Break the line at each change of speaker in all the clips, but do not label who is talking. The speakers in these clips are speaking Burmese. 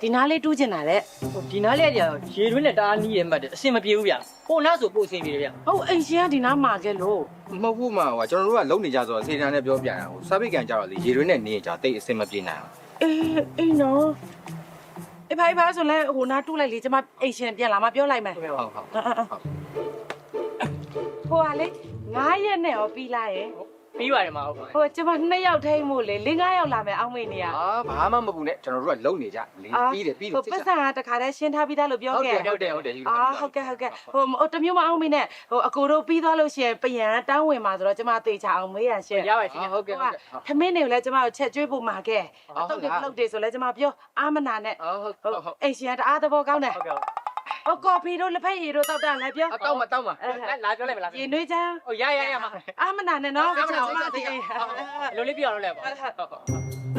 ဒီနားလေးတူးကျင်တာလေ
ဒီနားလေးကရေတွင်းနဲ့တအားနီးရမှတ်တယ်အဆင်မပြေဘူးဗျဟိုနားဆိုပို့အဆင်ပြေတယ်ဗျ
ဟုတ်အိမ်ရှင်ကဒီနားမှာခဲ့လို့
မဟုတ်ဘူးမှာဟိုကျွန်တော်တို့ကလုံနေကြဆိုတော့စေတနာနဲ့ပြောပြတာဟိုစာပိတ်ကန်ကြတော့လေရေတွင်းနဲ့နေကြတိတ်အဆင်မပြေနိုင်ဘူး
အေးနော်အေးဖိုင်ဆိုလဲဟိုနားတူးလိုက်လေကျမအိမ်ရှင်ပြန်လာမှပြောလိုက်မယ်
ဟုတ်ဟုတ်
ဟိုကလေ9ရက်နဲ့ရောပြီးလာရဲ့
ပြီးပါတယ်မဟုတ်ပါ
ဟိုကျမ2ယောက်ထိမို့လေ4-5ယောက်လာမယ်အောင်းမေးနေရ
ဘာမှမပူနဲ့ကျွန်တော်တို့ကလုံနေကြလေပြီးတယ်
ဟိုပတ်စံကတခါတည်းရှင်းထားပြီးသားလို့ပြောခဲ့
ဟုတ်တယ်
ဟုတ်ကဲ့ဟိုတမျိုးမအောင်မေးနဲ့ဟိုအကိုတို့ပြီးသွားလို့ရှိရင်ပယံတောင်းဝင်มาဆိုတော့ကျမသေချာအောင်မေးရရှင်း
ရပါရှင်
ဟုတ်ကဲ့ဟုတ်ကဲ့
ထမင်းတွေကိုလည်းကျမတို့ချက်ကျွေးဖို့မှာခဲ့တုတ်တွေပြုတ်တွေဆိုလည်းကျမပြောအာမနာနဲ့
ဟုတ်
အိမ်ရှင်ကတအားသဘောကောင်းတယ်
ဟုတ်ကဲ့
ဟိုကော်ဖီတို့လက်ဖက်ရည်တို့တောက်တာလည်းပြော
တောက်မတောက်မ
လာပြောလိုက်မလား
ရေနွေးချမ်း
ဟိုရမ
အာမနာနဲ့နော်
လိုလေးပြအောင်လုပ်လိုက်ပါ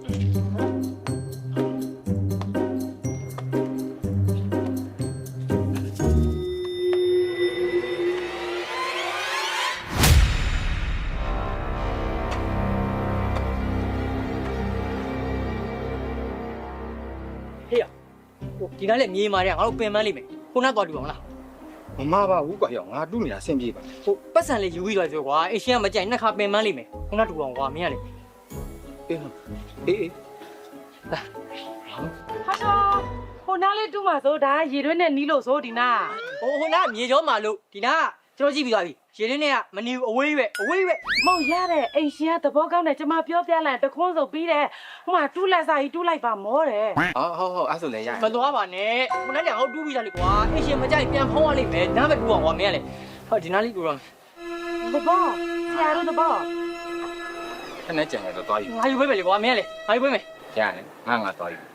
ဟေ့ဟိုဒီနားလေးမြေမာတဲ့ငါတို့ပင်ပန်းလိမ့်မယ်ခုနကတော့တူအောင်လား
မမပါဘူးကွာရောငါတူးနေတာဆင်ပြေပါ
ဟိုပတ်စံလေးယူပြီးသွားပြောကွာအရှင်ကမကြိုက်နှစ်ခါပင်ပန်းလိမ့်မယ်ခုနတူအောင်ကွာမင်းကလေ
အေး
ဟာတော့ဟိုနားလေးတူးမှာဆိုဒါရေတွင်းနဲ့နီးလို့ဆိုဒီနား
ဟိုနားမြေကျော်မာလို့ဒီနားကျွန်တော်ကြည့်ပြီးသွားပြီရေရင်းနဲ့ကမနေဘူးအဝေးပဲ
မဟုတ်ရတဲ့အိမ်ရှင်ကသဘောကောင်းတယ်ကျမပြောပြလိုက်တခွန်းဆိုပြီးတယ်ဟိုမှာတူးလက်စာကြီးတူးလိုက်ပါမောတယ်
ဟုတ်အဲ့ဆိုလည်းရ
မသွားပါနဲ့ခုနကငါတို့တူးပြီးသားလေကွာအရှင်မကြိုက်ပြန်ဖုံးရလိမ့်မယ်နားပဲတူအောင်ကွာမင်းကလေဟောဒီနားလေးတူတော့
သဘောဆရာတို့သဘော
ခနဲ့ကြံရတော့သွားယူ
ငါယူပေးမယ်လေကွာမင်းကလေငါယူပေးမယ်
ရတယ်ငါသွားယူ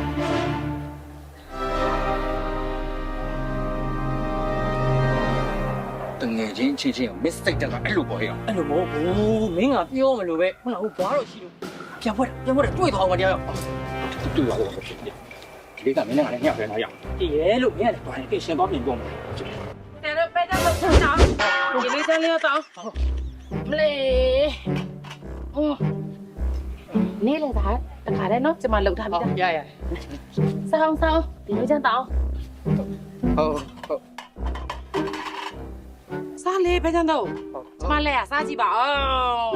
တငယ်ချင်းချင်း mistake တက်တာအဲ့လိုပေါ့ဟဲ့
အဲ့လိုမဟုတ်ဘူးမင်းကပြောမလို့ပဲဟုတ်လားဟိုဘာတော့ရှိလို့ပြန်ဖွက်တွေ့သွားအောင်မတရား
တူပါတော့ဖြစ်တယ်ဒီကမင်းနဲ့ငါနဲ့ညှပ်ပြန်လာရအောင်
တည်ရဲလို့မင်းကလေဘာလဲရှင်သွားပြင်ပြောမယ်
ဆရာတို့ပဲတော့ဆောင်းဒီလေးစမ်းလေးတော့မလေးနေလေသားတခါတည်းနော်ကျမလှုပ်ထားပြီးသား
ရ
ဆောင်းဒီလိုချမ်းတောင်း
ဟုတ်
စားလေပဲချမ်းတော့ကျမလည်းစားကြည့်ပါအောင်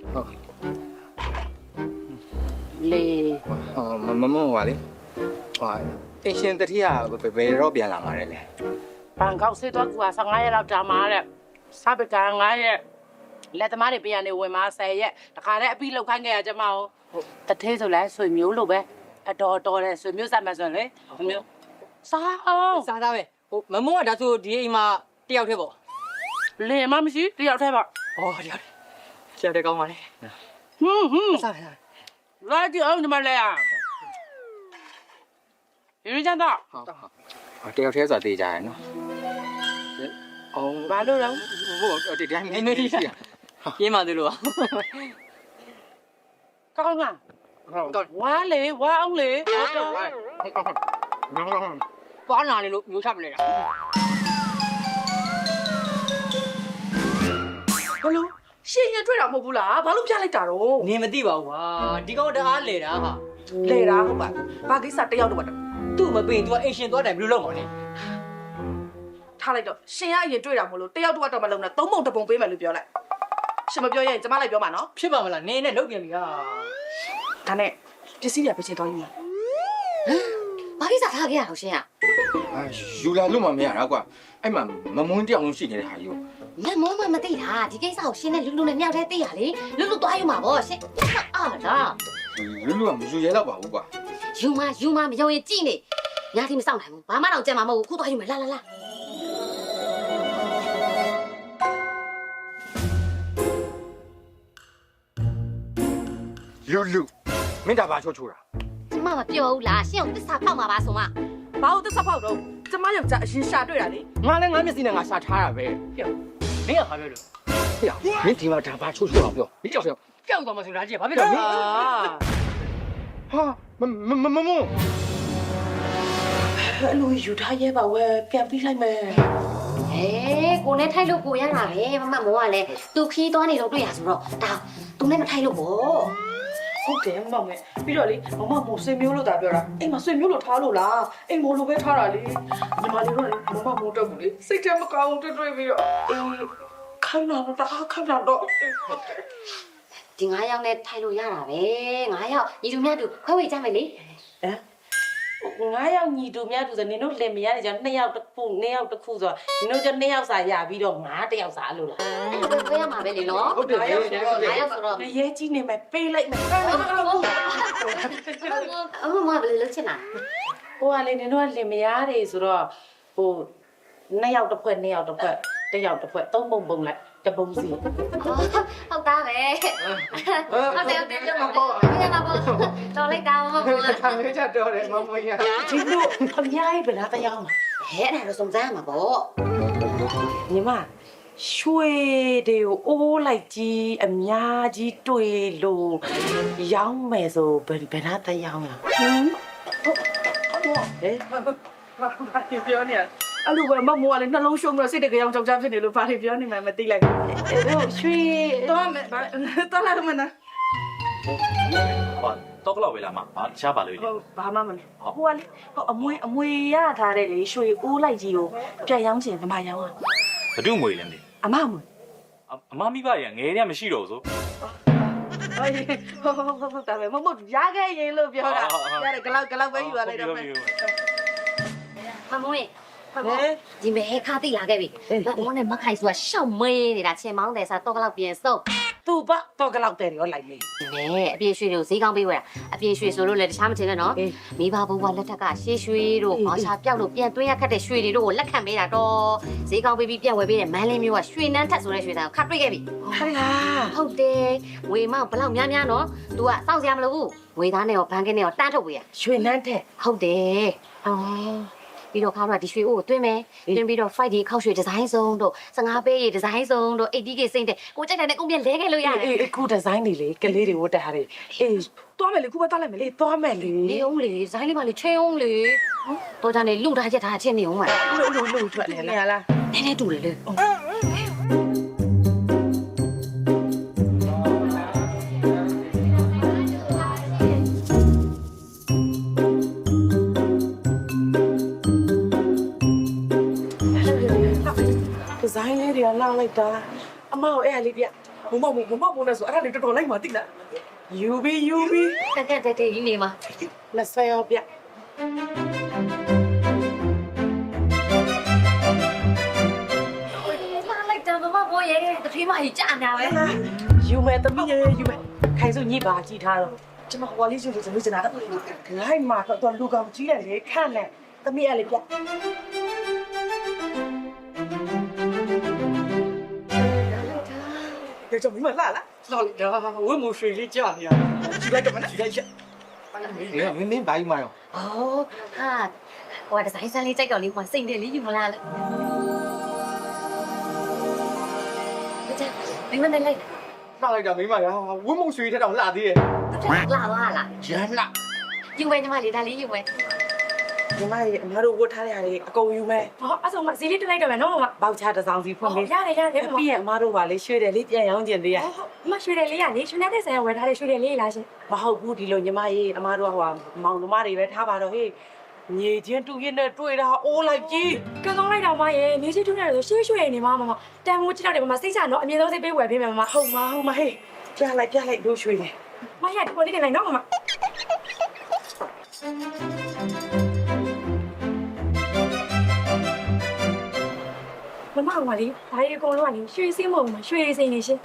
လေ
မမဟွာလေဟွာအရှင်တတိယဘယ်တော့ပြန်လာမှာလဲ
ဘန်ကောက်ဆေးတော့ကူ15ရက်လောက်ကြာမှာတဲ့စားပကံ9ရက်လက်သမားတွေပြန်နေဝင်มา10ရက်တခါတည်းအပြီးလောက်ခိုင်းခဲ့ရကျမအောင်တထဲဆိုလဲဆွေမျိုးလို့ပဲအတော်တဲ့ဆွေမျိုးစားမှဆိုလေမျိုးစားအောင်
စားသားပဲဟိုမမုန်းကဒါဆိုဒီအိမ်မှာတယောက်တည်းပေါ့
လင်မရှိတယောက်တည်းပါ
ဩတယောက်တည်းကောင်းပါလေ စား
လာကြည့်အောင်ဒီမှာလဲရင်းချမ်းတော့
ဟုတ်တယောက်တည်းဆိုတာသိကြရနော်အောင်
ဘာလို့လဲ
ဟုတ်ဒီတိုင်း
နေနေရှိရင်းမှသူလို့
ကောင်းလား
ဟုတ်
ဝါလေဝါအောင်လေဟုတ်တော့
ပွားနာနေလို့မျိုးချပလဲတာ
ဘလို့ရှင်ရင်တွေ့တာမဟုတ်ဘူးလားဘာလို့ပြလိုက်တာတော့
နေမသိပါဘူးကွာဒီကောင်တအားလေတာဟာ
လေတာဟုတ်ပါဘာကိစ္စတယောက်တော့
သူ့မပင် तू အိမ်ရှင်သွားတယ်ဘယ်လိုလုပ်မှာလဲ
ထားလိုက်တော့ရှင်ရအရင်တွေ့တာမလို့တယောက်တော့မလုံးနဲ့သုံးပုံတစ်ပုံပေးမယ်လို့ပြောလိုက်ရှင်မပြောရင်ကျမလိုက်ပြောမှာနော်
ဖြစ်ပါမလားနေနဲ့လုတ်ပြန်ပြီဟာ
ဒါနဲ့ပစ္စည်းတွေပဲချင်းသွားယူမှာ
ဘာကိစ္စထားခဲ့ရအောင်ရှင်อ่ะ
ယူလာလို့မမရတာကွာအဲ့မှာမမွန်းတယောက်လုံးရှိနေတဲ့ဟာယူ
လက်မောမမသိတာဒီကိစ္စကိုရှင်နဲ့လူလူနဲ့မြောက်တဲ့သိရလေလူလူသွားယူမှာဗောရှင်အာလား
လူလူကမယူရဲတော့ပါဘူးကွာ
ယူမမယုံရင်ကြည့်နေညာတိမစောင့်နိုင်ဘူးဘာမှတော့ကြံမှာမဟုတ်ဘူးခုသွားယူမယ်လာ
လူမင်းဒါဘာချိုးတာ
ကျမမပြောဘူးလားရှင်ကိုသစ္စာဖောက်မှာပါဆိုမှ
ဘာလို့သစ္စာဖောက်တော့ကျမယောက်ျားအရင်ရှာတွေ့တာလေ
ငါလည်းငါမျက်စိနဲ့ငါရှာထားတာပဲ
မင်းကဘာပြောလို့
ဟေ့မင်းဒီမှာဒါဘာချိုးတာပြောဒီကြောက်ပြော
ကြောက်သွားမှဆိုတော့ကြည့်ဘာဖြစ်လို့လဲ
ဟာမမ
အလူယူထားရဲပါဝဲပြန်ပြီးလိုက်မယ်
ဟဲကိုနဲ့ထိုက်လို့ကိုရတာပဲမမမောကလည်းသူခီးသွားနေတော့တွေ့ရဆိုတော့ဒါသူနဲ့မထိုက်လို့ဗော
ဩ
ဟုတ်တယ်မမေပြီးတော့လေမမမို့ဆွေမျိုးလို့တာပြောတာအိမ်မှာဆွေမျိုးလို့ထားလို့လားအိမ်မို့လို့ပဲထားတာလေညီမလေးတို့လည်းမမမို့တော့ဘူးလေစိတ်ထဲမကောင်းတွေ့ပြီးတော့ခိုင်းတော့တာခိုင်းတော့
ဒီ9ယောက်နဲ့ထိုင်လို့ရတာပဲ9ယောက်ညီတို့မြတ်တို့ခွဲဝေကြမယ်လေ
9ယောက်ညီတူမြတ်တူဆိုနင်တို့လင်မရတယ်ကြောင့်2ယောက်တစ်ခု2ယောက်တစ်ခုဆိုတော့နင်တို့ကျ2ယောက်စာရပြီးတော့9တစ်ယောက်စာလို့လား
အဲ့ဒါပဲခွဲရမှာပဲလေနော်
ဟုတ်တယ်
9ယောက်ဆိုတော့
ရဲကြီးနေမယ်ပေးလိုက်မယ်
အမမဘယ်လိုလုပ်ချင်လား
ဟိုကလေနင်တို့ကလင်မရတယ်ဆိုတော့ဟို2ယောက်တစ်ဖွဲ့2ယောက်တစ်ဖွဲ့1ယောက်တစ်ဖွဲ့3ပုံပုံလိုက်တပုံစီ
ဟုတ်သားပဲဟုတ်တယ်ပြောမှာပေါ့ရတာပေါ့တော်လိုက်တာမဟုတ်ဘူး
ခံရကြတော့တယ်မမရ
ဒီလိုအများကြီးပဲလားတရားမှာ
ဟဲ့အဲ့ဒါတော့စုံစမ်းရမှာပေါ့
ညီမရွှေတွေကိုအိုးလိုက်ကြီးအများကြီးတွေ့လို့ရောင်းမယ်ဆိုဘယ်နာတရားမှာဟမ်ဟဲ့ပြောနေအဲ့လိုပဲမမိုးကလည်းနှလုံးရှုံးပြီးစိတ်တကယ်ကြောင်ကြောက်ကြဖြစ်နေလို့ဘာတွေပြောနေမှမသိလိုက်ဘူးအဲ့တော့ရွှေတော့မယ်တော့လာမနာ
ဟောတော့ကတော့ပဲလားမဘာရှားပါလို့လေ
ဟုတ်ဘာမှမလုပ်ဟိုကလေဟိုအမွေရထားတဲ့လေရွှေအိုးလိုက်ကြီးကိုပြန်ရောင်းချင်ဗမာရောင်းอ่ะ
ဘဒုငွေလဲမသိ
အမမွေ
အမမိဘရငယ်တည်းမရှိတော့ဆို
ဟုတ်တာပဲမမရခဲ့ရင်လို့ပြောတာရတယ်ဂလောက်ပဲယူရလိုက်တော့မယ်
မမွေဒီမဲခါတိလာခဲ့ပြီမမနဲ့မခိုင်ဆိုတာရှောက်မေးနေတာချင်းမောင်းတယ်ဆိုတော့ကတော့ပြင်စုံ
သူ့ဘတော့ဂလောက်တယ်ရောလိုက်မေး
နဲအပြည့်ရွှေတွေကိုဈေးကောင်းပေးဝယ်တာအပြည့်ရွှေဆိုလို့လည်းတခြားမထင်နဲ့နော်မိဘဘိုးဘွားလက်ထက်ကရှေးရွှေတို့မောင်ချာပြောက်လို့ပြန်သွင်းရခက်တဲ့ရွှေတွေတို့ကိုလက်ခံပေးတာတော့ဈေးကောင်းပေးပြီးပြန်ဝယ်ပေးတယ်မန်းလင်းမျိုးကရွှေနန်းထက်ဆိုတဲ့ရွှေသားကိုခတ်တွေ့ခဲ့ပြီ
ဟာလား
ဟုတ်တယ်ဝေမောင်ဘလောက်များများနော် तू ကစောင့်စရာမလိုဘူးဝေသားနဲ့ရောဘန်ကင်းနဲ့ရောတန်းထုတ်ပေးရ
ရွှေနန်းတဲ့
ဟုတ်တယ်ပြီးတော့ခါတော့ဒီရွှေအိုးကိုတွင်းမယ်တွင်းပြီးတော့ fight ဒီခောက်ရွှေဒီဇိုင်းစုံတို့15ပေးဒီဇိုင်းစုံတို့ 80k စိမ့်တဲ့ကိုကြိုက်တဲ့ကုန်ပြလဲခဲ့လို့ရတယ်
အေးအခုဒီဇိုင်းတွေလေကလေးတွေဝတ်တဲ့ဟာတွေအေးသွားမယ်လေခုပဲသွားလိုက်မယ်လေသွားမယ်လေ
နေအောင်လေဒီဇိုင်းလေးပါလေချင်းအောင်လေတော့ကြနေလူထားချက်ထားချင်းနေအောင်ပါ
လို့ထွက်လေလား
နည်းနည်းတူလေလေ
ဒီဇိုင်းလေးတွေကလောက်လိုက်တာအမကိုအဲ့အလေးပြမမနဲ့ဆိုအဲ့ဒါလေးတော်တော်လိုက်မှသိလားယူပြီး
တက်တက်ကြီးနေမှာ
လက်ဆွဲရောပြ
လာလိုက်တော့မဘောရဲတဖေးမကြီးကြာနေပဲ
ယူမယ်တမီးရေယူမယ်ခိုင်စုညစ်ပါကြည့်ထားတော့ကျွန်မဟိုလေးယူလို့ကျွန်တော်ကျန်တာလိုက်မှာတော့လူကောင်ကြီးတယ်လေခန့်နဲ့တမီးအဲ့လေးပြ这叫明白烂了，老李啊，我没水里家里啊，去来干嘛呢？去来去。
ဒီကမင်းဘာကြီးမရော
哦ဟာဟိုဒီဇိုင်းဆန်းလေးကြိုက်တော့လေးဟိုစိတ်တယ်လေးယူမလားလို့ကြည့်မင်းမနဲ့လိုက်
လှလိုက်တာမင်းမရောဝင်းမုံရွှေတဲ့တောင်လှသေးရဲ့
လာပါလား
ရမ်းလှ
ယူမယ်ညီမလေးဒါလေးယူမယ်
ညီမရေအများတို့ဝတ်ထားတဲ့ဟာတွေအကုန်ယူမယ်
ဟောအဲ့ဆိုမှဈေးလေးတက်လိုက်တော့မယ်နော်မမ
ဘောက်ချတစ်စောင်းစီဖွင့်ပေး
ရတယ်ရတယ်မမ
ပြီးရင်အမားတို့ပါလေရွှေတယ်လေးပြန်ရောင်းကျင်သေးရ
မရွှေတယ်လေးရလေရွှေနေတဲ့ဆိုင်ကဝယ်ထားတဲ့ရွှေတယ်လေးလားရှင်
မဟုတ်ဘူးဒီလိုညီမရေအမားတို့ကဟိုမောင်နှမတွေပဲထားပါတော့ဟေးညေချင်းတူရင်နဲ့တွေ့တာအိုးလိုက်ကြီး
ကံကောင်းလိုက်တော့မရဲ့နေချီထူးနေတယ်ဆိုရွှေရွှေနေမှာမမတန်မိုးကြည့်တော့တယ်မမစိတ်ချနော်အမြင်ဆုံးစိတ်ပေးဝယ်ပေးမယ်မမ
ဟုတ်မဟေးပြလိုက်တို့ရွှေတယ်
မရဒီပေါ်လေးတင်လိုက်နော်မမမမကလေဒါရီအကုန်လုံးကလေရွှေစင်းမဟုတ်ဘူးရွှေစင်းနေရှင်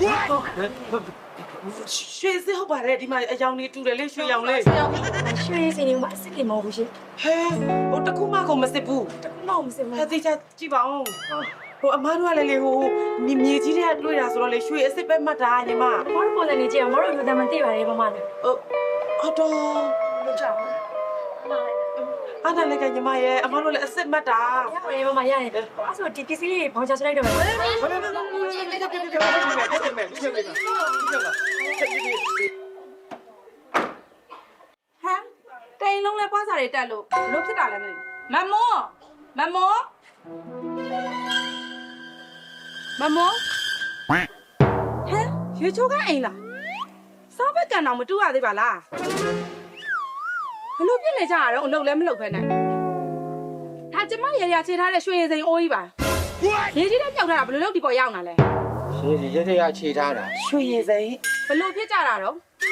ရွှေစစ်ဟုတ်ပါတယ်ဒီမှာအယောင်လေးတူတယ်လေရွှေရောင်လေး
ရွှေစင်းနေမှာအစ်စ်လေးမဟုတ်ဘူးရှင်
ဟဲဟိုတကူမကုန်မစစ်ဘူး
မဟုတ်မစင်မ
ဟဲသိချကြည့်ပါဦးဟိုအမားတို့ကလည်းလေဟိုမြေကြီးတွေကတွေ့တာဆိုတော့လေရွှေအစ်စ်ပဲမှတ်တာညီမ
မတို့ပုံစံနေကြည့်အောင်မတို့လူသားမသိပါနဲ့မမလည်း
အော်တော့
မကြောက်
အားနာလည်းကညီမရဲ့အမားတို့လည်းအစ်စ်မှတ်တာ
ရတယ်မမရတယ်အဲ့ဆိုဒီပစ္စည်းလေးဘောင်ချဆွလိုက်တော့မယ်
ဘယ်လို
တိန်လုံးလဲပွားစားတွေတက်လို့ဘလို့ဖြစ်တာလဲမသိဘူးမမောဟဲ့ရေချိုးကအိမ်လားစားဘက်ကကန်တော့မတူရသေးပါလားဘလို့ပြစ်နေကြရတော့အလုပ်လည်းမလုပ်ဖ ೇನೆ ဒါကျမရရချေထားတဲ့ရွှေရည်စိန်အိုးကြီးပါရေကြီးတဲ့ပြောက်ထားတာဘလို့လုပ်ဒီပေါ်ရောက်လာလဲ
ရှင်ဒီရက်ရခြေထားတာ
ရွှေရည်စိန်ဘလို့ဖြစ်ကြတာတော့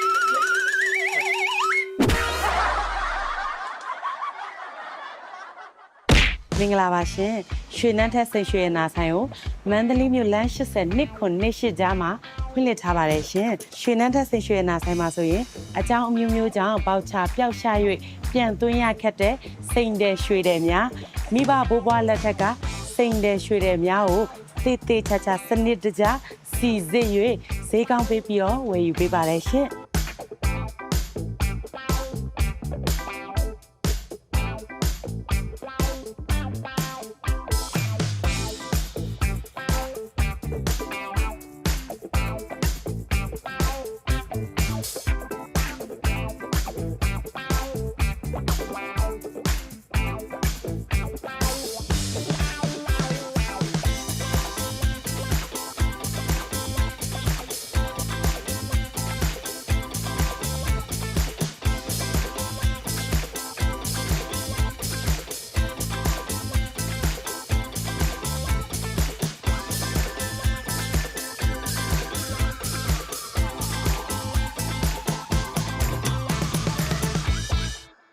မင်္ဂလာပါရှင်ရွှေနန်းထက်စိတ်ရွှေရနာဆိုင်ကိုမန္တလေးမြို့လမ်း80နှစ်ခုနှစ်ရှိကြားမှာဖွင့်လှစ်ထားပါတယ်ရှင်ရွှေနန်းထက်စိတ်ရွှေရနာဆိုင်မှာဆိုရင်အကြောင်းအမျိုးမျိုးကြောင့်ပေါချပျောက်ရှာ၍ပြန်သွင်းရခက်တဲ့စိန်တဲ့ရွှေတဲ့များမိဘဘိုးဘွားလက်ထက်ကစိန်တဲ့ရွှေတဲ့များကိုတေးသေးချာချာစနစ်တကျစီစစ်၍ဈေးကောင်းပေးပြီးတော့ဝယ်ယူပေးပါတယ်ရှင်